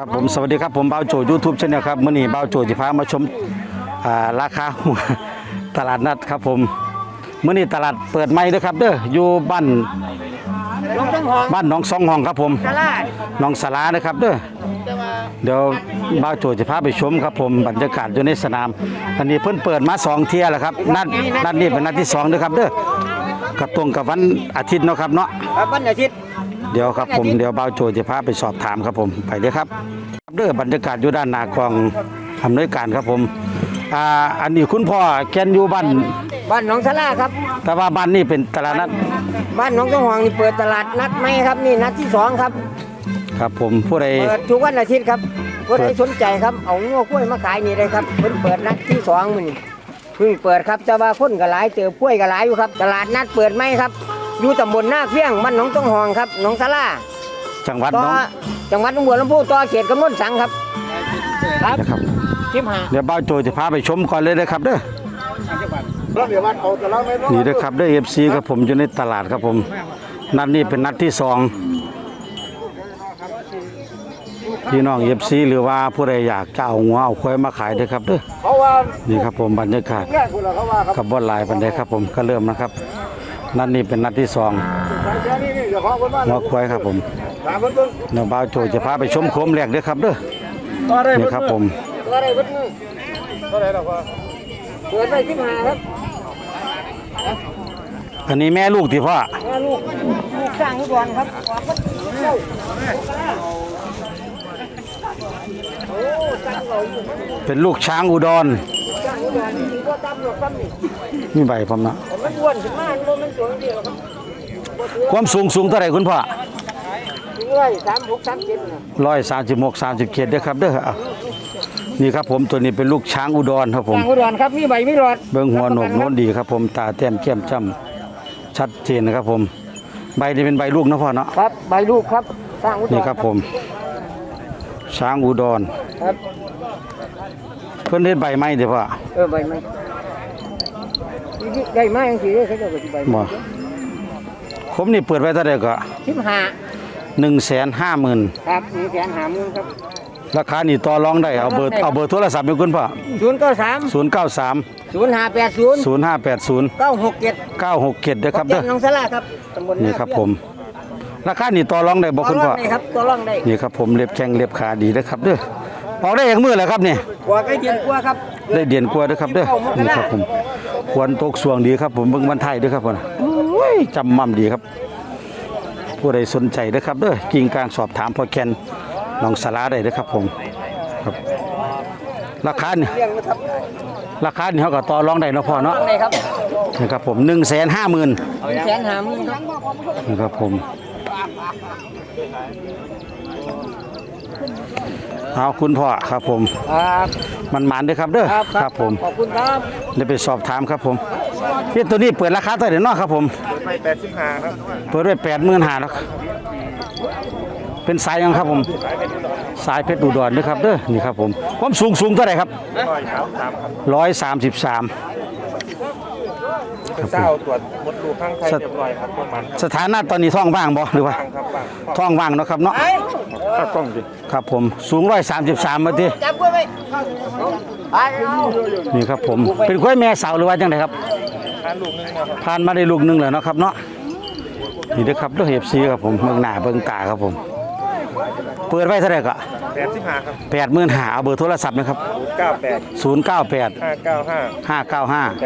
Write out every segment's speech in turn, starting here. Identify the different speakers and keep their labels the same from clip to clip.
Speaker 1: ครับผมสวัสดีครับผมบ่าวโจ YouTube Channel ครับมื้อนี้บ่าวโจจะพามาชมราคา ตลาดนัดครับผมมื้อนี้ตลาดเปิดใหม่เด้อครับเด้ออยู่บ้านหนองสองห้องครับผมหนองสารานะครับเด้อเดี๋ยวบ่าวโจจะพาไปชมครับผมบรรยากาศอยู่ในสนามอันนี้เพิ่นเปิดมา2เที่ยแล้วครับนัดนี้เป็นนัดที่2เด้อครับเด้อก็ตรงกับวันอาทิตย์เนาะครับเนาะ
Speaker 2: วันอาทิตย์
Speaker 1: เดี๋ยวครับผมเดี๋ยวบ่าวโจจะพาไปสอบถามครับผมไปเลยครับเด้อบรรยากาศอยู่ด้านหน้ากองอำนวยการครับผมอันนี้คุณพ่อแกนอยู่บ้าน
Speaker 2: หนองสาราครับ
Speaker 1: แต่ว่าบ้านนี้เป็นตลาดนัด
Speaker 2: บ้านหนองสองห้องนี่เปิดตลาดนัดไหมครับนี่นัดที่2ครับ
Speaker 1: ครับผมผู้ใด
Speaker 2: เปิดทุกวันอาทิตย์ครับผู้ใดสนใจครับเอางัวกล้วยมาขายนี่เลยครับเพิ่นเปิดนัดที่2มื้อนี้เพิ่งเปิดครับแต่ว่าคนก็หลายเจอกล้วยก็หลายอยู่ครับตลาดนัดเปิดไหมครับอยู่ตำบลนาเพียงบ้านหนองสองห้องครับหนองสารา
Speaker 1: จังหวัดหน
Speaker 2: องบัวลำพูต่อเขตกำนวนสังครับ
Speaker 1: ครับเดี๋ยวบ่าวโจจะพาไปชมก่อนเลยนะครับเด้อนี่นะครับเด้อ FC ครับผมอยู่ในตลาดครับผมนัดนี้เป็นนัดที่2พี่น้อง FC หรือว่าผู้ใดอยากจะเอางัวเอาควายมาขายเด้อครับเด้อนี่ครับผมบรรยากาศกับบ่หลายปานใดครับผมก็เริ่มนะครับนัดนี้เป็นนัดที่2งัวควายครับผมเดี๋ยวบ่าวโจจะพาไปชมโคมแรกเด้อครับเด้อนี่ครับผม
Speaker 2: เปิดไป15ครับ
Speaker 1: อันนี้แม่ลูกที่พ่อ
Speaker 2: แม่ลูกสร้างอุดรครับ
Speaker 1: เป็นลูกช้างอุดรมีใบพร้อมนะความสูงเท่าไหร่คุณพ่อ136-37เด้อครับเด้อนี่ครับผมตัวนี้เป็นลูกช้างอุดรครับผม
Speaker 2: ช้างอุดรครับมีใบมีหลอด
Speaker 1: เบิ่งหัวโหนกโน้นดีครับผมตาแต้มแก้มจ้ำชัดเจนนะครับผมใบนี้เป็นใบลูกนะพ่อเนาะ
Speaker 2: ครับใบลูกครับช้างอุดร
Speaker 1: นี่ครับผมช้างอุดร
Speaker 2: ครับ
Speaker 1: เพิ่นเฮ็ดใบไม้เด้อพ่อ
Speaker 2: ใบไม้ได้ไม้จังซี่เด้อเขาเจ้าก็สิใบ
Speaker 1: บ่ผมนี่เปิดไว้เท่าใดก็
Speaker 2: 150,000ครับ150,000ครับ
Speaker 1: ราคานี่ต่อรองได้เอาเบอร์โทรศัพท์ให้คุณพ่อ
Speaker 2: 093 0580 967
Speaker 1: เด้อครับเด้อ
Speaker 2: หนองสาราครับตำบล
Speaker 1: นี่ครับผมราคานี่ต่อรองได้บ่คุณพ่อ
Speaker 2: ครับต่อรองได้
Speaker 1: นี่ครับผมเล็บแข้งเล็บขาดีเด้อครับเด้อออกได้อย่างมื้อแหละครับนี่
Speaker 2: กว่าใกล้เดือนกว่าครับ
Speaker 1: ได้เดือนกว่าเด้อครับเด้อนี่ครับผมควรตกสวงดีครับผมเบิ่งวันไทยเด้อครับพ่อโอ้ยจำมั่มดีครับผู้ใดสนใจเด้อครับเด้อกิ่งกลางสอบถามพ่อแคนหนองสาราได้เด้อครับผมครับราคานี่เขาก็ต่อรองได้เนาะพ่อเนาะนี่ครับผม150,000นี่ครับผมเอาคุณพ่อครับผมมันหมานด้วยครับเด้อครับผม
Speaker 2: ขอบคุณครับ
Speaker 1: เดี๋ยวไปสอบถามครับผมนี่ตัวนี้เปิดราคาเท่าไหร่เนาะครับผม
Speaker 2: 85ครับ
Speaker 1: เปิดไว้85,000แล้วเป็นสายยังครับผมสายเพชรอุดรนะครับเด้อนี่ครับผมความสูงเท่าไหร่ครับ133
Speaker 2: เจ้าตรวจมดลูกข้างไทยเรียบร้อยครับประมาณ
Speaker 1: สถานะตอนนี้ท้องว่างบ่หรือว่าท้องว่างเนาะครับเนาะ
Speaker 2: ต้องดิ
Speaker 1: ครับผมสูง133มาดินี่ครับผมเป็นควายแม่สาวหรือว่าจังไดครับผ่านมาได้ลูกนึงแล้วเนาะครับเนาะนี่เด้อครับเด้อ FC ครับผมเมืองหน้าเบิ่งตาครับผมเปิดไว้เท่าไหร่ก็
Speaker 2: 85ครับ
Speaker 1: 85,000เอาเบอร์โทรศัพท์นะครับ098 595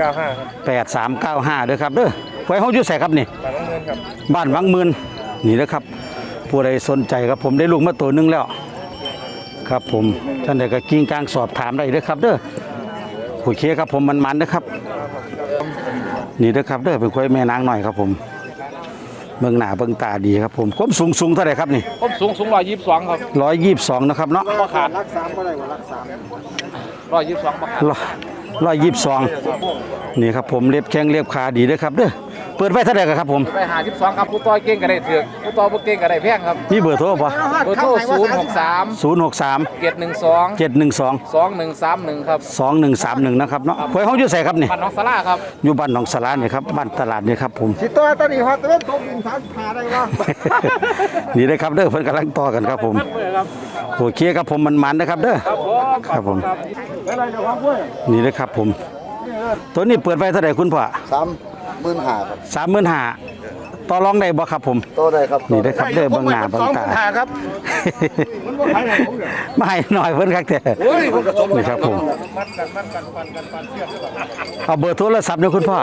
Speaker 1: 8395เด้อครับเด้อไว้เฮาอยู่ไสครับนี่บ้านวังหมื่นนี่เด้อครับผู้ใดสนใจครับผมได้ลูกมาตัวนึงแล้วครับผมท่านใดก็กิ้งกลางสอบถามได้เด้อครับเด้อโอเคครับผมมันๆนะครับนี่เด้อครับเด้อเป็นควายแม่นางหน่อยครับผมเมืองหน้าเบิ่งตาดีครับผมความสูงเท่าไหร่ครับนี่
Speaker 2: ความสูง122ครับ
Speaker 1: 122นะครับเนาะ
Speaker 2: บ่ขาดรัก3บ่ได้ว่ารัก3 122บ่ขาด
Speaker 1: 122นี่ครับผมเล็บแข้งเล็บขาดีเด้อครับเด้อเปิปิดไว้เท่าไหร่ครับผม
Speaker 3: ไปหา12ครับผู้ต่อเก่งก็ได้เถือกผู้ต่อบ่เก่งก็ได้แพงครับ
Speaker 1: มีเบอร์โทรป่ะ
Speaker 3: เบอร์โทร063
Speaker 1: 063
Speaker 3: 712
Speaker 1: 712
Speaker 3: 2131ครับ
Speaker 1: 2131นะครับเนาะหวยเขาอยู่ใส่ครับนี่
Speaker 3: บ้านน้องสลาครับ
Speaker 1: อยู่บ้านหนองสลาเนี่ยครับบ้านตลาดเนี่ยครับผม
Speaker 2: สิตัวตอนนี้ฮอตเล่นตกดิน3 ได้บ่
Speaker 1: นี่เลยครับเด้อเพิ่นกำลังต่อกันครับผมโอเคครับผมมันนะครับเด้อครับผมนี่เลยครับผมตัวนี้เปิดไว้เท่าไหร่คุณพ่อ
Speaker 4: 35,000ครับ
Speaker 1: 35,000ต่อรองได้บ่ครับผม
Speaker 4: โตได้ครับ
Speaker 1: นี่เลยครับเด้อเบิ่งหน้าเบิ่งตา
Speaker 4: ครับ
Speaker 1: ไม่หน่อยเพิ่นครับแต่นี่ครับผมเอาเบอร์โทรศัพท์เนี่ยคุณพ่อ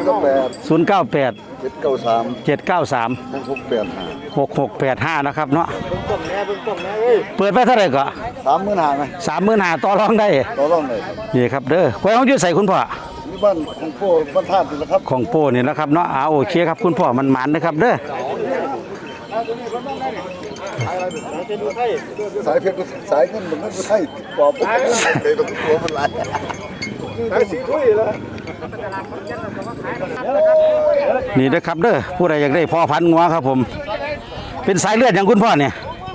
Speaker 1: 098
Speaker 4: 793
Speaker 1: 793
Speaker 4: 6685
Speaker 1: 6685นะครับเนาะเปิดไว้เท่าไหร่ก็
Speaker 4: 35,000ไหม
Speaker 1: 35,000ต่อรองได้
Speaker 4: ต่อรองได้ครับ
Speaker 1: นี่ครับเด้อหวยเขาอยู่ใส่คุณพ่อ
Speaker 4: นี่บ้านของพ่อบ้านธาตุนี่แหละครับ
Speaker 1: ของโป้นี่นะครับเนาะโอเคครับคุณพ่อมันหมันนะครับเด้อ
Speaker 4: สายเพชรสายเงินมันไม่ใช่ปอบไปเลยต้องตัวมันหลายสายสีถ้วยแล้ว
Speaker 1: นี่นะครับเด้อผู้ใดอยากได้พ่อพันธุ์งัวครับผมเป็นสายเลือดอย่างคุณพ่อเนี่ย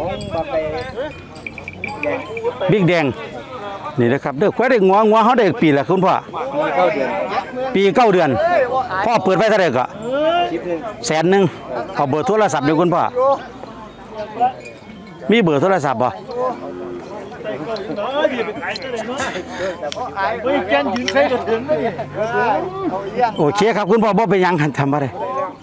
Speaker 1: บิ๊กแดงนี่นะครับเด้อควายได้งัวเขาได้ปีละคุณพ่อปี9 เดือนพ่อเปิดไว้เท่าไหร่ก็100,000เอาเบอร์โทรศัพท์เดี๋ยวคุณพ่อมีเบอร์โทรศัพท์บ่โอเคครับคุณพ่อบ่เป็นหยังทำอะไร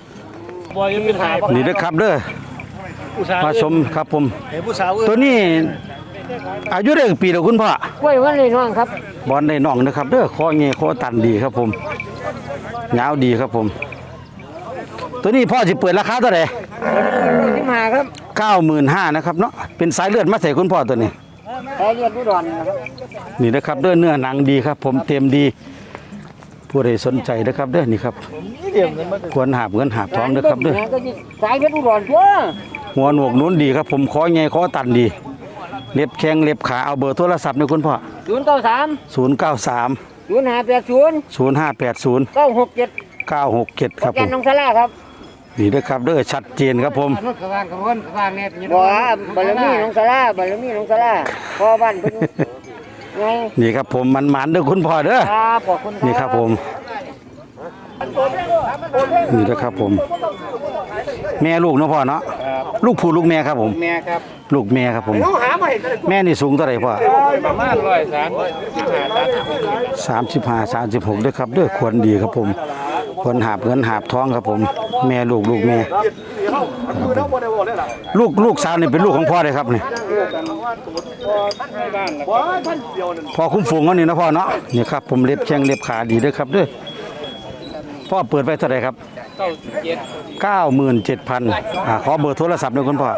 Speaker 1: นี่นะครับเด้อมาชมครับผมตัวนี้อายุได้กี่ปีแล้วคุณพ่อก
Speaker 2: ล้วยวันเลยน้องครับ
Speaker 1: บอลได้น่องนะครับเด้อคอเงี้ยคอตันดีครับผมยาวดีครับผม ตัวนี้พ่อสิเปิดราคาเท่าไหร่
Speaker 2: ที่มาครับ
Speaker 1: 95,000นะครับเนาะเป็นสายเลือดมาใส่คุณพ่อตัวนี้
Speaker 2: แพ้เรียนผู้ดอนนะครับ
Speaker 1: นี่นะครับเด้อเนื้อหนังดีครับ ผมเต็มดีผู้ใดสนใจนะครับเด้อนี่ครับควรหาบเงินหาบทองเด้อครับเด้อ
Speaker 2: ก็สายเพชรผู้ดอนตัว
Speaker 1: หัวหนวกนู้นดีครับผมคอเงี้ยคอตันดีเล็บแข้งเล็บขาเอาเบอร์โทรศัพท์นี่คุณพ่อ
Speaker 2: 093
Speaker 1: 093
Speaker 2: 0580
Speaker 1: 0580
Speaker 2: 967
Speaker 1: 967ครับ
Speaker 2: แก
Speaker 1: ผ
Speaker 2: น
Speaker 1: ม
Speaker 2: น้องสลาครับ
Speaker 1: นี่นะครับเด้อชัดเจนครับผม
Speaker 2: บ่บารมีน้องสลาบารมีน้องสลาพ่อบ้านเพิ่นไง
Speaker 1: นี่ครับผมมันเด้อคุณพ่อเด้อ
Speaker 2: ครับขอบคุณครับ
Speaker 1: นี่ครับผมนี่นะครับผม แม่ลูกเนาะพ่อเนาะลูกผู้ลูกแม่ครับผม
Speaker 3: แม่ครับ
Speaker 1: ลูกแม่ครับผม แม่นี่สูงเท่าไหร่พ่อ
Speaker 3: ประมาณ
Speaker 1: 35 36ด้วยครับเด้อควรดีครับผมควรหาบเงินหาบทองครับผม แม่ลูกแม่ลูกสาวนี่เป็นลูกของพ่อเลยครับนี่พ่อคุ้มฝูงเขานี่นะพ่อเนาะนี่ครับผมเล็บแข้งเล็บขาดีด้วยครับเด้อพ่อเปิดไว้เท่าไหร่ครับ 97,000ขอเบอร์โทรศัพท์ด้วยคุณพ่อ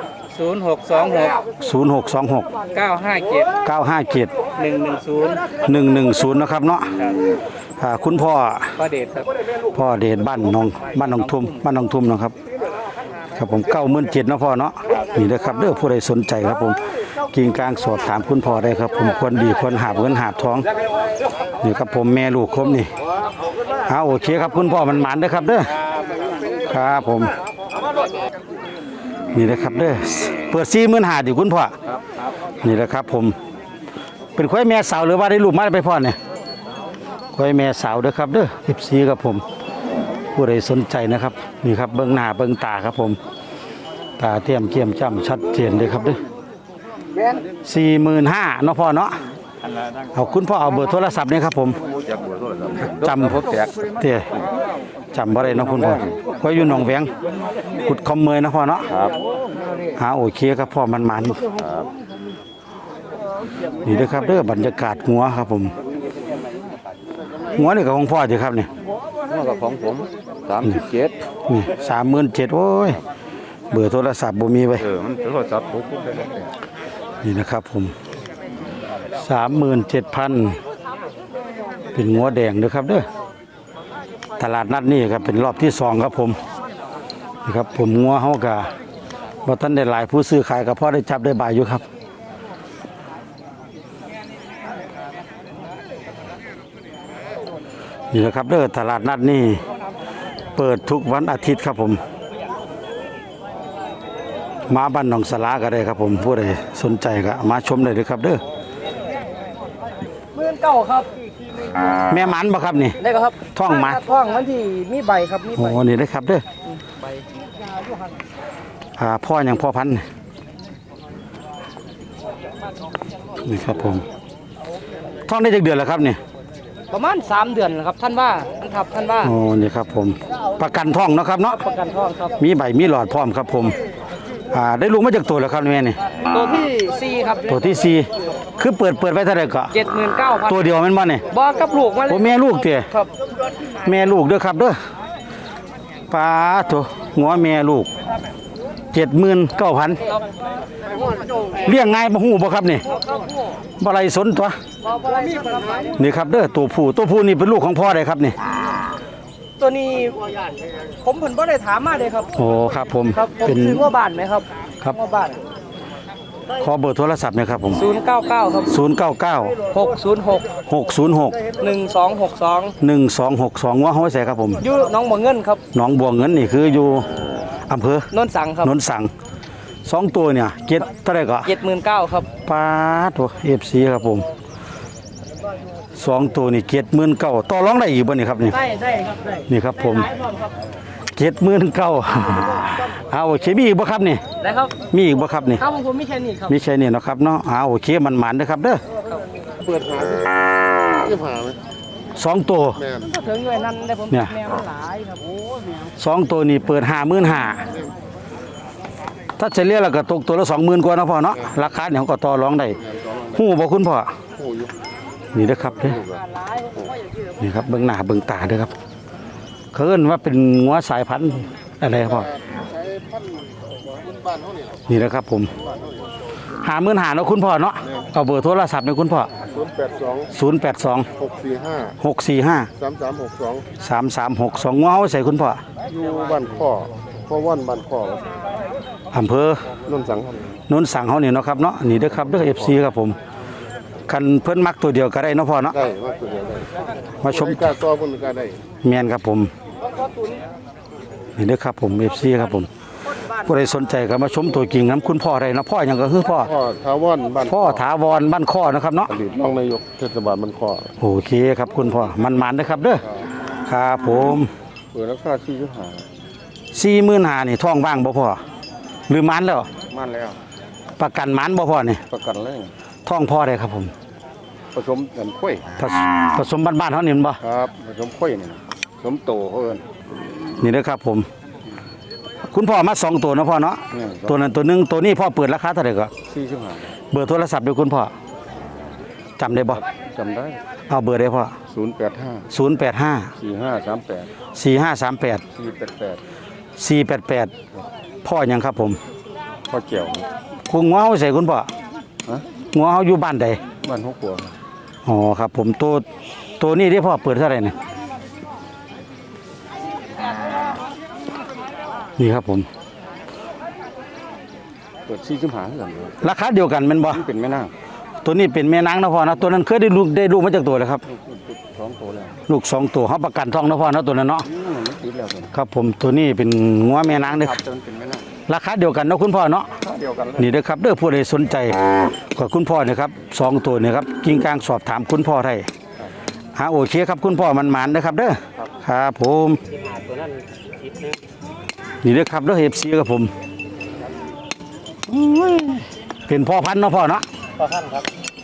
Speaker 3: 0626
Speaker 1: 0626
Speaker 3: 957
Speaker 1: 957
Speaker 3: 110
Speaker 1: 110นะครับเนาะคุณพ่อ
Speaker 3: ประเดชครับ
Speaker 1: พ่อเดชบ้านหนองทุ่มนะครับครับผม97,000นะพ่อเนาะนี่นะครับเด้อผู้ใดสนใจครับผมกิ่งกลางสอบถามคุณพ่อได้ครับผมควรดีควรหาบเงินหาบทองนี่ครับผมแม่ลูกครบนี่โอเคครับคุณพ่อมันหมานเด้อครับเด้อครับผมนี่นะครับเด้อเปิด45,000ดิคุณพ่อนี่แหละครับผมเป็นควายแม่สาวหรือว่าได้ลูกมาไปพ่อเนี่ยควายแม่สาวเด้อครับเด้อ14ครับผมผู้ใดสนใจนะครับนี่ครับเบิ่งหน้าเบิ่งตาครับผมตาเทียมเกียมจ้ำชัดเจนเลยครับเด้อ45,000เนาะพ่อเนาะเอาคุณพ่อเอาเบอร์โทรศัพท์นี่ครับผมจำผมแตกเตี้ยจำบ่ได้เนาะคุณพ่อควายอยู่หนองแวงกุดคอมเมยนะพ่อเนาะครับโอเคครับพ่อมันนี่เด้อครับเด้อบรรยากาศหัวครับผมหัวนี่กับของพ่อสิครับเนี่ย
Speaker 4: นี่กับของผม37
Speaker 1: นี่37,000โอ้ยเบอร์โทรศัพท์บ่มีไว้
Speaker 4: มันโทรศัพท์ผมได้แล้ว
Speaker 1: นี่นะครับผม37,000เป็นงัวแดงเด้อครับเด้อตลาดนัดนี่ครับเป็นรอบที่2ครับผมนี่ครับผมงัวเฮาก็บ่ทันได้หลายผู้ซื้อขายก็พอได้จับได้บายอยู่ครับนี่นะครับเด้อตลาดนัดนี่เปิดทุกวันอาทิตย์ครับผมมาบ้านหนองสลาก็ได้ครับผมผู้ใดสนใจก็มาชมได้เลยครับเด้อ
Speaker 2: 19,000ครับ
Speaker 1: แม่หมันบ่ครับนี่
Speaker 2: ได้ครับ
Speaker 1: ท่องมา
Speaker 2: ท่องมันที่มีใบครับมี
Speaker 1: โอ้
Speaker 2: ใบ
Speaker 1: นี่ได้ครับเด้อ
Speaker 2: ใบ
Speaker 1: พ่ออย่างพ่อพันธุ์นี่ครับผมท่องได้จากเดือนแล้วครับนี่
Speaker 2: ประมาณ3เดือนนะครับท่านว่าท่านว่า
Speaker 1: โอ้นี่ครับผมประกันท่องเนาะครับเนาะ
Speaker 2: ประกันท่องครับ
Speaker 1: มีใบมีหลอดพร้อมครับผมได้ลูกมาจากตัวแล้วครับแม่นี่
Speaker 2: ตัวที่4ครับ
Speaker 1: ตัวที่สี่คือเปิดไว้เท่าไหร่ก็
Speaker 2: 79,000
Speaker 1: ตัวเดียวแม่นบ่นี่
Speaker 2: บ่กับลูกมาเล
Speaker 1: โอ้
Speaker 2: ย
Speaker 1: แม่ลูกเตี้ย
Speaker 2: ครับ
Speaker 1: แม่ลูกเด้อครับเด้อปลาตัวหัวแม่ลูก 79,000เลี้ยงง่ายบ่ฮู้บ่ครับนี่บ่ไรสนตัวนี่ครับเด้อตัวผู้นี่เป็นลูกของพ่อได้ครับนี่
Speaker 2: ตัวนี้ผมเพิ่นบ่ได้ถามมาเลยครับ
Speaker 1: โอ้ครับผม
Speaker 2: ครับผม
Speaker 1: เป็น
Speaker 2: ซื้อว่าบ้านไหมครับ
Speaker 1: ครับ
Speaker 2: ว่าบ้าน
Speaker 1: ขอเบอร์โทรศัพท์หนะครับผม
Speaker 2: 099ครับ
Speaker 1: 099
Speaker 2: 606
Speaker 1: 606
Speaker 2: 1262
Speaker 1: 1262ว่าเฮาใส่ครับผม
Speaker 2: อยู่หน้องบ่อเงินครับ
Speaker 1: หนองบัวเงินนี่คืออยู่อำเภอ
Speaker 2: โนนสังครับ
Speaker 1: นนสังสองตัวเนี่ยเจ็ดเท่าไหร่ก็
Speaker 2: 79,000ครับ
Speaker 1: ปลาตัว FC ครับผมสองตัวนี่79,000ต่อรองได้อีกบ่นี่ครับนี่
Speaker 2: ได้ครับได้
Speaker 1: นี่ครับผม
Speaker 2: ขายพร้อมครับ
Speaker 1: 79,000เอาโอเคมีอีกบ่ครับนี่
Speaker 2: ได้ครับ
Speaker 1: มีอีกบ่ครับนี่
Speaker 2: ครับผมมีแค่นี้ครับ
Speaker 1: มีแค่นี้เนาะครับเนาะเอาโอเคมันหมันเด้อครับเด้อ
Speaker 4: เปิดหาที่หาไหม
Speaker 1: สองตัว
Speaker 4: แม่น
Speaker 2: ก็ถึงด้วยนั่นได้ผม
Speaker 1: เนี่ย
Speaker 2: แมวมันหลายครับโอ้แมว
Speaker 1: สองตัวนี่เปิด55,000ถ้าเฉลี่ยแล้วก็ตกตัวละ20,000กว่าเนาะพ่อเนาะราคาเนี่ยเขาก็ต่อรองได้ฮู้บ่คุณพ่อ
Speaker 4: โอ้ย
Speaker 1: นี่เด้อครับเด้อ
Speaker 2: หลายผมก็อย่างที่
Speaker 1: นี่ครับเบิ่งหน้าเบิ่งตาเด้อครับเขาเอิ้นว่าเป็นงัวสายพันธุ์อะไรครับพ่อ
Speaker 4: ใช้พันบ้านเขาเนี่ย
Speaker 1: นี่นะครับผม55,000เนาะคุณพ่อเนาะเอาเบอร์โทรศัพท์ให้คุณพ่อ
Speaker 4: 082
Speaker 1: 082
Speaker 4: 645
Speaker 1: 645
Speaker 4: 3362
Speaker 1: 3362งัวเฮาใส่คุณพ่อ
Speaker 4: อยู่บ้านข้อว่านบ้านข้อ
Speaker 1: อำเภอ
Speaker 4: นนสังครับ
Speaker 1: นนสั่งเฮานี่เนาะครับเนาะนี่เด้อครับเด้อ FC ครับผมคันเพิ่นมักตัวเดียวก็ได้เนาะพ่อเนาะ
Speaker 4: ได้ว่าตัวเดียวได้
Speaker 1: มาชม
Speaker 4: กล้าซ้อคนกล้าได้
Speaker 1: แม่นครับผมนี่เด้อครับผม FC ครับผมผู้ใดสนใจก็มาชมตัวจริงนํคุณพ่อได้เนาะพ่อหยังก็คือพ่อ
Speaker 4: พ่อทาวอนบ้าน
Speaker 1: พ่อถาวรบ้านข้อนะครับเนาะ
Speaker 4: อดีตรองนายกเทศบาลบ้านข้อ
Speaker 1: โอเคครับคุณพ่อมันๆนะครับเด้อครับผม
Speaker 4: เปิดราคาที่ยุหา
Speaker 1: 45,000นี่ท้องว่างบ่พ่อหรือมันแล้ว
Speaker 4: มันแล้ว
Speaker 1: ประกันมันบ่พ่อนี่
Speaker 4: ประกันเลย
Speaker 1: ท้องพ่อได้ครับผม
Speaker 4: ผสมกันข้อย
Speaker 1: ผสมบ้านๆเฮานี่แม่นบ่
Speaker 4: ครับผสมข้อยนี่ผสมโตเขาเอิ้น
Speaker 1: นี่เด้อครับผม คุณพ่อมา2ตัวเนาะพ่อเนาะ
Speaker 4: เนี่ย
Speaker 1: ตัวนั้นตัวหนึงตัวนี้พ่อเปิดราคาเท่าไหร่ก็
Speaker 4: ที่ยุหา
Speaker 1: เบอร์โทรศัพท์ด้วยคุณพ่อจำได้บ่
Speaker 4: จำได้
Speaker 1: เอาเบอร์ได้พ่อ
Speaker 4: 085
Speaker 1: 085
Speaker 4: 4538
Speaker 1: 4538
Speaker 4: 488
Speaker 1: 488พ่อหยังครับผม
Speaker 4: พ่อเกี่ยว
Speaker 1: คุณงัวเฮาใส่คุณพ่อ
Speaker 4: ฮะ
Speaker 1: งัวเฮาอยู่บ้านใด
Speaker 4: บ้านหัวขัว
Speaker 1: อ๋อครับผมตัวนี้ที่พ่อเปิดเท่าไหร่เนี่ยนี่ครับผม
Speaker 4: เปิดที่ยุหาเหมือนกัน
Speaker 1: ราคาเดียวกันแม่นบ่
Speaker 4: นี่เป็นแม่นาง
Speaker 1: ตัวนี้เป็นแม่นางนะพ่อนะตัวนั้นเคยได้ลูกมาจากตัวเลยครับ
Speaker 4: ท้องโตแล้ว
Speaker 1: ลูก2ตัวเฮาประกันท้องนะพ่อนะตัวนั้นเนาะ
Speaker 4: มันติดแล้วเป็น
Speaker 1: ครับผมตัวนี้เป็นงัวแม่นางเด้อ
Speaker 4: ครับจนเป็นแม่นาง
Speaker 1: ราคาเดียวกันเนาะคุณพ่อเนาะ
Speaker 4: เดียวกันเลย
Speaker 1: นี่เด้อครับเด้อผู้ใดสนใจก็คุณพ่อเนี่ยครับ2ตัวเนี่ยครับกิ่งกลางสอบถามคุณพ่อได้โอเคครับคุณพ่อมันหมานนะครับเด้อครับผมนี่เด้อครับเด้อ FC ครับผมอุ้ยเป็นพ่อพันธุ์เนาะพ่อเนาะ
Speaker 2: ต่อท่านครับ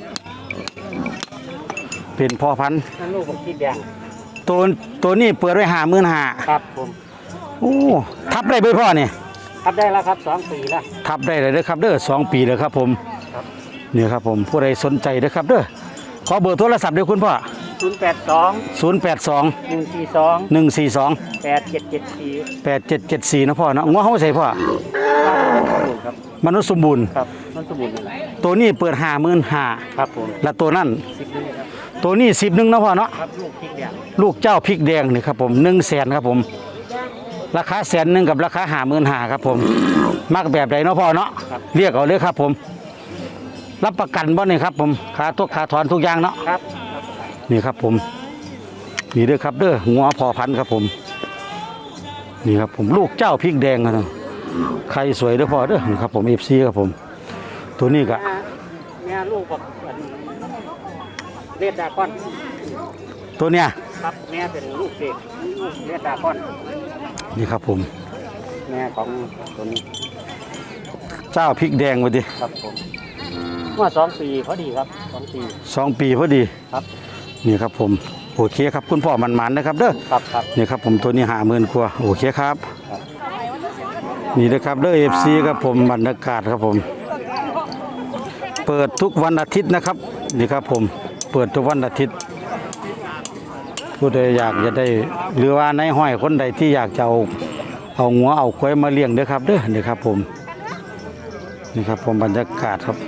Speaker 1: เป็นพ่อพันธุ์
Speaker 2: นั่นลูกผมคิดแดง
Speaker 1: ตัวนี้เปิดไว้55,000
Speaker 2: ครับผม
Speaker 1: โอ้ทับได้เบ่พ่อนี่
Speaker 2: ครับได้แล้วครับ2 ปีแล้ว
Speaker 1: ทับได้เลยเด้อครับเด้อ2 ปีเลยครับผมนี่ครับผมผู้ใดสนใจเด้อครับเด้อขอเบอร์โทรศัพท์เด้อคุณพ่อ
Speaker 2: 082
Speaker 1: 082
Speaker 2: 142
Speaker 1: 142
Speaker 2: 8774
Speaker 1: 8774นะพ่อเนาะงัวเฮาใส่พ่อ
Speaker 2: ครับ
Speaker 1: มนุษย์สมบูรณ์
Speaker 2: ครับมันสมบูรณ์เลย
Speaker 1: ตัวนี้เปิด55,000
Speaker 2: ครับผม
Speaker 1: และตัวนั้น
Speaker 2: 10นึงครับ
Speaker 1: ตัวนี้10นึงนะพ่อเนาะ
Speaker 2: ครับลูกพริกแดง
Speaker 1: ลูกเจ้าพริกแดงนี่ครับผม100,000ครับผมราคา100,000กับราคา55,000ครับผมมักแบบใดเนาะพ่อเนาะเรียกเอาเลยครับผมรับประกันบ่นี่ครับผมค่าถอนทุกอย่างเนาะ
Speaker 2: ครับ
Speaker 1: นี่ครับผมนี่เด้อครับเด้องัวพอพันธุ์ครับผมนี่ครับผมลูกเจ้าพริกแดงนะใครสวยเด้อพ่อเด้อนี่ครับผม FC ครับผมตัวนี้ก็
Speaker 2: แม่ลูกกับเลียดดาก้อน
Speaker 1: ตัวเนี้ย
Speaker 2: ครับแม่เป็นลูกเด็กลูกเลียดดาก้อน
Speaker 1: นี่ครับผม
Speaker 2: แม่ของตัวนี้
Speaker 1: เจ้าพริกแดงไปดิ
Speaker 2: ครับผมเมื่อ2 ปีพอดีครับ2 ปี
Speaker 1: 2 ปีพอดี
Speaker 2: ครับ
Speaker 1: นี่ครับผมโอเคครับคุณพ่อมันๆนะครับเด้อ
Speaker 2: ครับครับ
Speaker 1: นี่ครับผมตัวนี้50,000กว่าโอเคครับนี่นะครับเด้อ FC ครับผมบรรยากาศครับผม เปิดทุกวันอาทิตย์นะครับนี่ครับผมเปิดทุกวันอาทิตย์ผู้ใดอยากจะได้หรือว่าในห้อยคนใดที่อยากจะเอางัวเอาควายมาเลี้ยงเด้อครับเด้อนี่ครับผมนี่ครับผมบรรยากาศครับ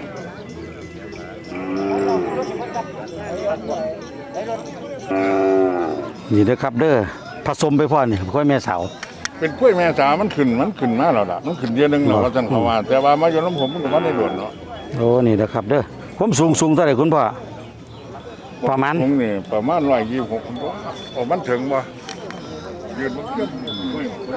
Speaker 1: นี่เด้อครับเด้อผสมไปพ่อนี่ควายแม่สาว
Speaker 4: เป็นกล้วยแม่สามันขึ้นมาแล้วล่ะมันขึ้นเดือนนึงแล้วว่าจังเขาว่าแต่ว่ามาอยู่น้ำผมมันก็บ่ได้โดนเนาะ
Speaker 1: โอ้นี่เด้อครับเด้อผมสูงเท่าไหร่คุณพ่อประมาณ
Speaker 4: ผมนี่ประมาณ126ผมว่าโอ้มันถึงบ่ยืนมันเกือบกล้วย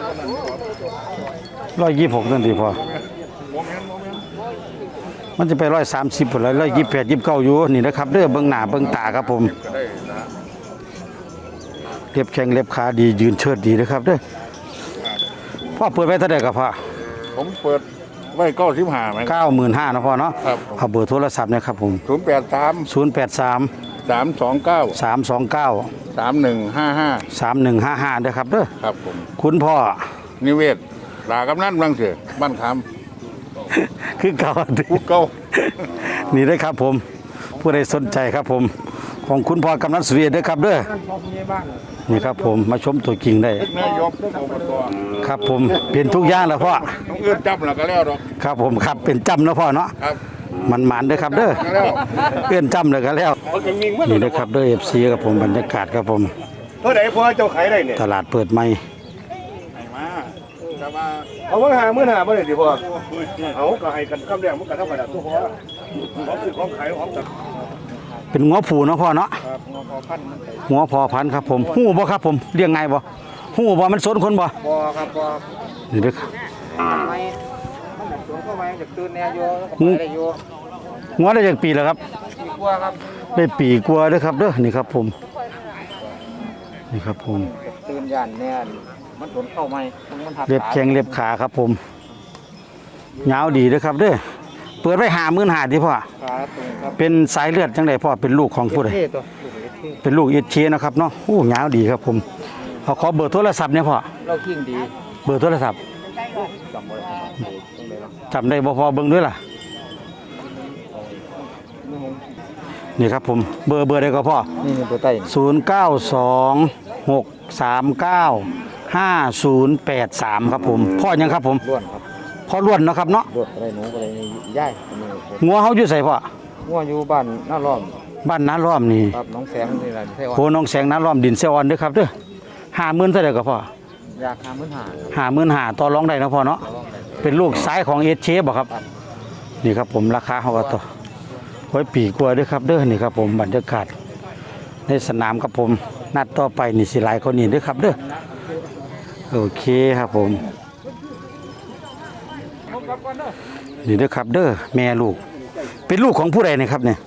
Speaker 1: 126นั่นสิพ่อ
Speaker 4: บ่แม่น
Speaker 1: มันจะไป130พุ่นละ128 29อยู่นี่นะครับเด้อเบิ่งหน้าเบิ่งตาครับผม
Speaker 4: ก็ได้นะ
Speaker 1: เล็บแข้งเล็บขาดียืนเชิดดีนะครับเด้อพ่อเปิดไว้เท่าไหร่ครับพ่อ
Speaker 4: ผมเปิดไว้95มั้ย
Speaker 1: 95,000นะพ่อเนาะ
Speaker 4: ครับ
Speaker 1: เอาเบอร์โทรศัพท์นะครับผม
Speaker 4: 083
Speaker 1: 083
Speaker 4: 329
Speaker 1: 329
Speaker 4: 3155
Speaker 1: 3155ด้วยครับเด้อ
Speaker 4: ครับผม
Speaker 1: คุณพ่อ
Speaker 4: นิเวศลากำนันบางเสือบ้านค
Speaker 1: คือเก่า
Speaker 4: ำผู้เก่า
Speaker 1: นี่เด้อครับผมผู้ใดสนใจครับผมของคุณพ่อกำนันสุริยะเด้อครับเด้อนี่ครับผมมาชมตัวจริงได้
Speaker 4: นายกอบต
Speaker 1: ครับผมเป็นทุกอย่างแล้วพ่อ
Speaker 4: ต้องเอื้อนจับแล้วก็แล้วดอก
Speaker 1: ครับผมครับเป็นจำแล้วพ่อเนาะ
Speaker 4: ครับ
Speaker 1: มันหมานเด้อครับเด้อ
Speaker 4: แล้ว
Speaker 1: เอื้อนจำเลยก็แล้วนี่นะครับเด้อ FC ครับผมบรรยากาศครับผม
Speaker 5: เท่าไหร่พอเจ้าขายได้เนี่ย
Speaker 1: ตลาดเปิดใหม่
Speaker 4: มาแต่ว่า
Speaker 5: เอาว่า50,000บ่ได้ดิพ่อเอาก็ให้กันคำแรกมันก็เท่ากันทุกพอของซื้อของขายของตัด
Speaker 1: เป็นงัวผูเนาะพ่อเนาะ
Speaker 4: ครับงอพอพันมันไป
Speaker 1: งัวพอพันธุ์ครับผมฮู้บ่ครับผมเลี้ยงไงบ่ฮู้บ่มันสนคนบ่
Speaker 2: พอครับพอ
Speaker 1: นี่เด้อครับ
Speaker 2: ไม่มันแบบสวนเข้าไปจากตื่นแนวโยแล้วก็ไปได้โย
Speaker 1: งัวได้จากปีแล้วครับ
Speaker 2: มีกลัวครับ
Speaker 1: ได้ปีกว่าเด้อครับเด้อนี่ครับผมนี่ครับผม
Speaker 2: ตื่นยันเนี่ยมันสวนเข้าไม่มันหัก
Speaker 1: เล็บแข้งเล็บขาครับผมยาวดีเด้อครับเด้อเปิดไว้55,000ที่พ่อ
Speaker 2: ขาตรงครับ
Speaker 1: เป็นสายเลือดจังไดพ่อเป็นลูกของผู้ใด
Speaker 2: เท่ตัวลูกเท่
Speaker 1: เป็นลูกเอชนะครับเนาะโอ้ยาวดีครับผมเอาขอเบอร์โทรศัพท์เนี่ยพ่อ
Speaker 2: เราขิงดี
Speaker 1: เบอร์โทรศัพท์
Speaker 2: จำไว้ตรงไหนล่ะ
Speaker 1: จำได้บ่พอเบิ่งด้วยล่ะนี่ครับผมเบอร์ได้ก็พ่อ
Speaker 2: นี่ตัวใต้
Speaker 1: 0926395083ครับผมพ่อยังครับผม
Speaker 2: ล้วนครับ
Speaker 1: พ่อล้วนเนาะครับเนาะ
Speaker 2: ล้วนอะไรหนูอะไรย่ายอันนี้
Speaker 1: งัวเฮาอยู่ไสพ่อ
Speaker 2: งัวอยู่บ้านหน้าล้อม
Speaker 1: บ้านน้าล้อมนี่
Speaker 2: ครับน้องแสงนี่แหละใช่ว่า
Speaker 1: โพน้องแสงน้าล้อมดินเซออนเด้อครับเด้อ50,000เท่าใดก็พ่อ
Speaker 2: อยาก
Speaker 1: 55,000
Speaker 2: 50,000
Speaker 1: ต่อรองได้เนาะพ่อเนาะเป็นลูกซ้ายของเอชบ่ครับนี่ครับผมราคาเฮาก็ต่อไว้ปีกว่าเด้อครับเด้อนี่ครับผมบรรยากาศในสนามครับผมนัดต่อไปนี่สิหลายคนนี่เด้อครับเด้อโอเคครับผมนี่เด้อครับเด้อแม่ลูก เป็นลูกของผู้ใดนะครับเนี่ย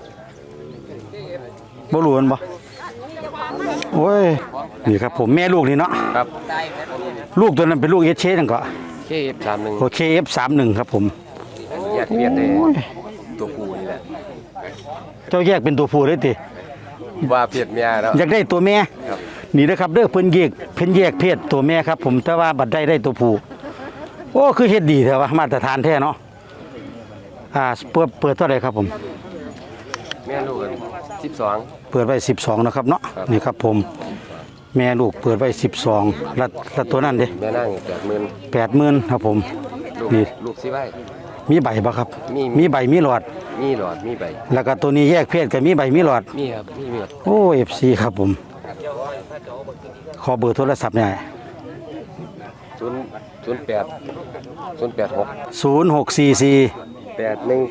Speaker 1: บ่รู้มันบ่โอ้ยนี่ครับผมแม่ลูกนี่เนาะ
Speaker 3: ครับ
Speaker 1: ลูกตัวนั้นเป็นลูกเอชจังก็
Speaker 3: KF31
Speaker 1: โอเค F31 ครับผม
Speaker 3: แยกเปลี่ยนได้ตัวผู้นี่แหละ
Speaker 1: เจ้าแยกเป็นตัวผู้เลยติ
Speaker 3: ว่าเปลี่ยนเมียแล้ว
Speaker 1: อยากได้ตัวแม่
Speaker 3: ครับ
Speaker 1: นี่นะครับเด้อเพิ่นแยกเพศตัวแม่ครับผมแต่ว่าบัดได้ตัวผู้โอ้คือเฮ็ดดีแท้ว่ามาตรฐานแท้เนาะเปิดเท่าไหร่ครับผม
Speaker 3: แม่ลูกกัน12
Speaker 1: เปิดไว้12นะครับเนาะ
Speaker 3: ครับ
Speaker 1: นี่ครับผมแม่ลูกเปิดไว้12แล้วตัวนั้นเด้
Speaker 3: แม่นั่ง
Speaker 1: 80,000
Speaker 3: 80,000
Speaker 1: ครับผม
Speaker 3: ลูก
Speaker 1: นี่
Speaker 3: ลูกสิไว้
Speaker 1: มีใบบ่ครับ
Speaker 3: มี
Speaker 1: มีใบมีหลอด
Speaker 3: มีหลอดมีใบ
Speaker 1: แล้วก็ตัวนี้แยกเพศก็มีใบมีหลอด
Speaker 3: มีครับมีหมด
Speaker 1: โอ้ FC ครับผมขอเบอร์โทรศัพท์หน่อย
Speaker 3: 086
Speaker 1: 0644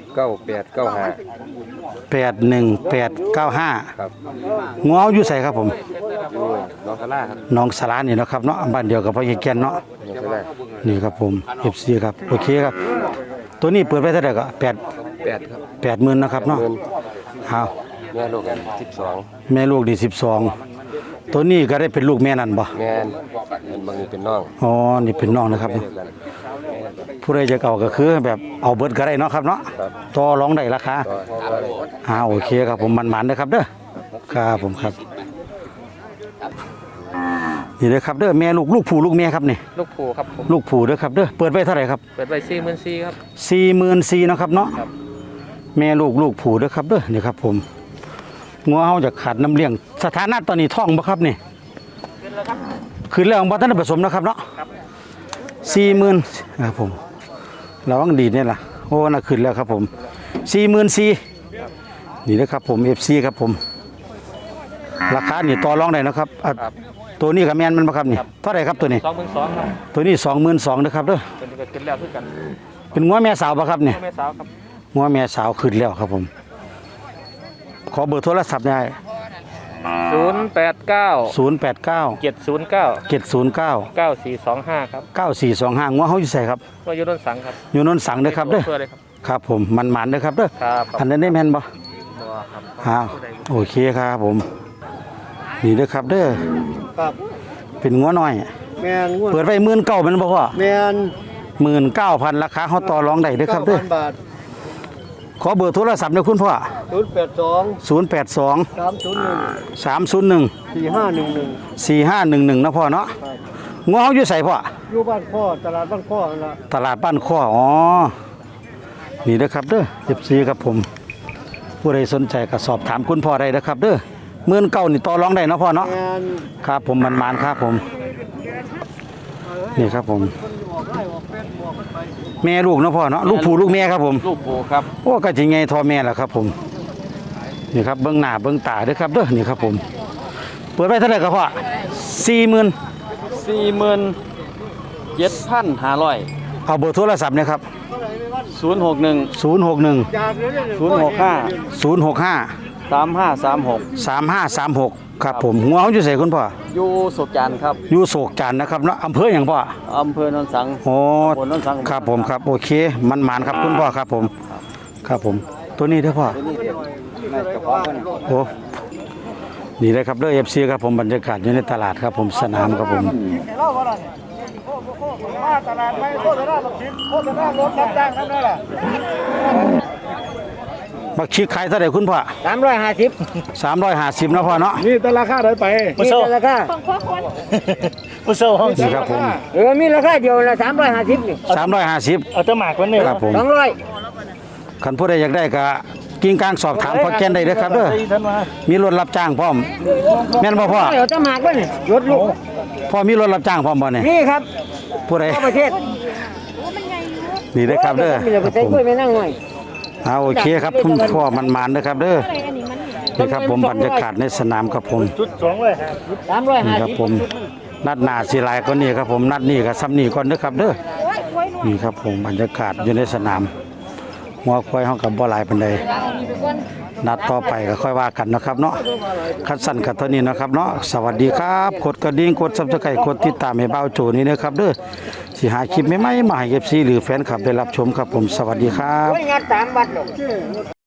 Speaker 3: 819895
Speaker 1: 81895
Speaker 3: ครับ
Speaker 1: งัวอยู่ไสครับผม
Speaker 3: อยู่น้องทะล่าครับ
Speaker 1: น้องสลานี่เนาะครับเนาะบ้านเดียวกับพ่อเฮียแก่นเนาะนี่ครับผม FC ครับโอเคครับ ตัวนี้เปิดไปเท่าไหร่ก็8
Speaker 3: 8ครับ
Speaker 1: 80,000นะครับเนาะเอา
Speaker 3: แม่ลูกกัน12
Speaker 1: แม่ลูกดี12ตัวนี้ก็ได้เป็นลูกแม่นั่นบ่
Speaker 3: แม่นบางนี้เป็นน้อง
Speaker 1: อ๋อนี่เป็นน้องนะครับ
Speaker 3: เดียวกัน
Speaker 1: ผู้ใดจะเอาก็คือแบบเอาเบิดก็ได้เนาะครับเนาะต่อรองได้ราคาโอเคครับผมมันๆนะครับเด้อครับผมครับนี่เลยครับเด้อแม่ลูกผู้ลูกแม่ครับนี่
Speaker 3: ลูกผูครับผม
Speaker 1: ลูกผู้เด้อครับเด้อเปิดไว้เท่าไหร่ครับ
Speaker 3: เปิดไว้44,000ครับ
Speaker 1: 44,000เนาะครับเนาะแม่ลูกผู้เด้อครับเด้อนี่ครับผมงัวเฮาจะขาดน้ำเลี้ยงสถานะตอนนี้ท้องบ่ครับนี่ขึ้นแล้วบ่ทันได้ผสมนะครับเนาะ40,000ครับผมระวังดีเนี่ยล่ะโอ้น่ะขึ้นแล้วครับผม44,000นี่นะครับผม FC ครับผมราคานี่ต่อรองได้นะครับตัวนี้กับแม่นมันบ่ครับนี่เท่าไหร่ครับตัวนี้
Speaker 3: 22,000ครับ
Speaker 1: ตัวนี้22,000นะครับเด้อ
Speaker 3: เป็นก็ขึ้นแล้วคือกัน
Speaker 1: เป็นงัวแม่สาวบ่ครับนี่
Speaker 3: แม่สาวครับ
Speaker 1: งัวแม่สาวขึ้นแล้วครับผมขอเบอร์โทรศัพท์ได้
Speaker 3: 089
Speaker 1: 089
Speaker 3: 709
Speaker 1: 709
Speaker 3: 9425ครับ
Speaker 1: 9425งัวเฮาอยู่ไสครับ
Speaker 3: ว่าอยู่โนนสังครับ
Speaker 1: อยู่นนสังเด้อครับเด้อ
Speaker 3: เพื่อเลยครับ
Speaker 1: ครับผมมันๆเด้อครับเด้อ
Speaker 3: ครับ
Speaker 1: อันนั้นได้แม่นบ่
Speaker 3: บ่ครับ
Speaker 1: อ้าวโอเคครับผมนี่เด้อครับเด้อ
Speaker 4: ครับ
Speaker 1: เป็นงัวน้อย
Speaker 4: แม่นงวด
Speaker 1: เปิดไว้19,000แม่นบ่พ่อ
Speaker 4: แม่น
Speaker 1: 19,000ราคาเฮาต่อรองได้เด้อครับเด้อ
Speaker 4: 9,000 บาท
Speaker 1: ขอเบอร์โทรศัพท์หน่อยคุณพ่อ
Speaker 4: 082
Speaker 1: 082
Speaker 4: 301
Speaker 1: 301
Speaker 4: 4511
Speaker 1: 4511นะพ่อเนาะงัวเฮาอยู่ไสพ่อ
Speaker 4: อยู่บ้านพ่อตลาดบ้านพ่อนั่นล่ะ
Speaker 1: ตลาดบ้านข้ออ๋อ นี่นะครับเด้อ14ครับผม ผู้ใดสนใจก็สอบถามคุณพ่อได้นะครับเด้อ19,000นี่ต่อรองได้เนาะพ่อเนาะ
Speaker 4: แม่น
Speaker 1: ครับผมมันๆครับผม นี่ครับผม แม่ลูกเนาะพ่อเนาะ ลูกผู้ลูกแม่ครับผม
Speaker 3: ลูกผูครับ
Speaker 1: โอ้ก็สิไงทอแม่ล่ะครับผม นี่ครับเบิ่งหน้าเบิ่งตาเด้อครับเด้อ นี่ครับผม เปิดไว้เท่าไหร่ครับพ่อ40,000
Speaker 3: 47,500
Speaker 1: เอาเบอร์โทรศัพท์นะครับ
Speaker 3: 061
Speaker 1: 061
Speaker 3: 065
Speaker 1: 065
Speaker 3: 3536
Speaker 1: 3536ครับผมหัวเขาอยู่ใส่คุณพ่อ
Speaker 3: อยู่สุขจันทร์ครับ
Speaker 1: อยู่โศกจันทร์นะครับเนาะอำเภออย่างพ่อ
Speaker 3: อำเภอโนนสัง
Speaker 1: โอ้
Speaker 3: ตำบลโนนสัง
Speaker 1: ครับผมครับโอเคมันหมานครับคุณพ่อครับผมครับผมตัวนี้เด้อพ่อโอ้นี่เลยครับเด้อ FC ครับผมบรรยากาศอยู่ในตลาดครับผมสนามครับผม
Speaker 5: มาตลาดไม่โฆษณาบักชิดโฆษณารถรับจ้างนั่นแหละ
Speaker 1: บักชีขายเท่าไหร่คุณพ่อ
Speaker 2: 350
Speaker 1: 350นะพ่อเนาะ
Speaker 5: นี่แต่ราคาเท่าไป
Speaker 2: นี่เป็นราคา
Speaker 1: นี่ครับผม
Speaker 2: มีราคาเดียวละ350นี่
Speaker 1: 350
Speaker 5: เอาตะหมากวันนี้
Speaker 1: ครับผม
Speaker 2: 200
Speaker 1: คันผู้ใดอยากได้ก็กิ่งกลางสอบถามพ่อแก่นได้เด้อครับเด้อมีรถรับจ้างพร้อมแม่นบ่พ่อ
Speaker 2: เอาตะหมากบ่นี่ยศลูก
Speaker 1: พ่อมีรถรับจ้างพร้อมบ่เนี่ย
Speaker 2: นี่ครับ
Speaker 1: ผู้ใด
Speaker 2: ทั่วประเทศ
Speaker 1: นี่เด้อครับเด้อ
Speaker 2: มีแต่ไปใส่กล้วยไม่นั่งหน่อย
Speaker 1: โอเคครับคุณพ่อมันๆนะครับเด้อนี่ครับผมบรรยากาศในสนามครับผม
Speaker 5: ชุด2เลยฮะ
Speaker 1: นี่ครับผมนัดหน้าสิหลายก็นี่ครับผมนัดนี้ก็ซ้ำนี่ก่อนเด้อครับเด้อนี่ครับผมบรรยากาศอยู่ในสนามหัวควายเฮากับบ่หลายปานใดนัดต่อไปก็ค่อยว่ากันนะครับเนาะคัดสั้นกันเท่านี้นะครับเนาะสวัสดีครับกดกระดิ่งกด Subscribe กดติดตามให้เบาโจนี่นะครับเด้อสิหาคลิปใหม่ๆมาให้ FC หรือแฟนคลับได้รับชมครับผมสวัสดีครับ
Speaker 2: โอ้ยงาน3 วัดหรอก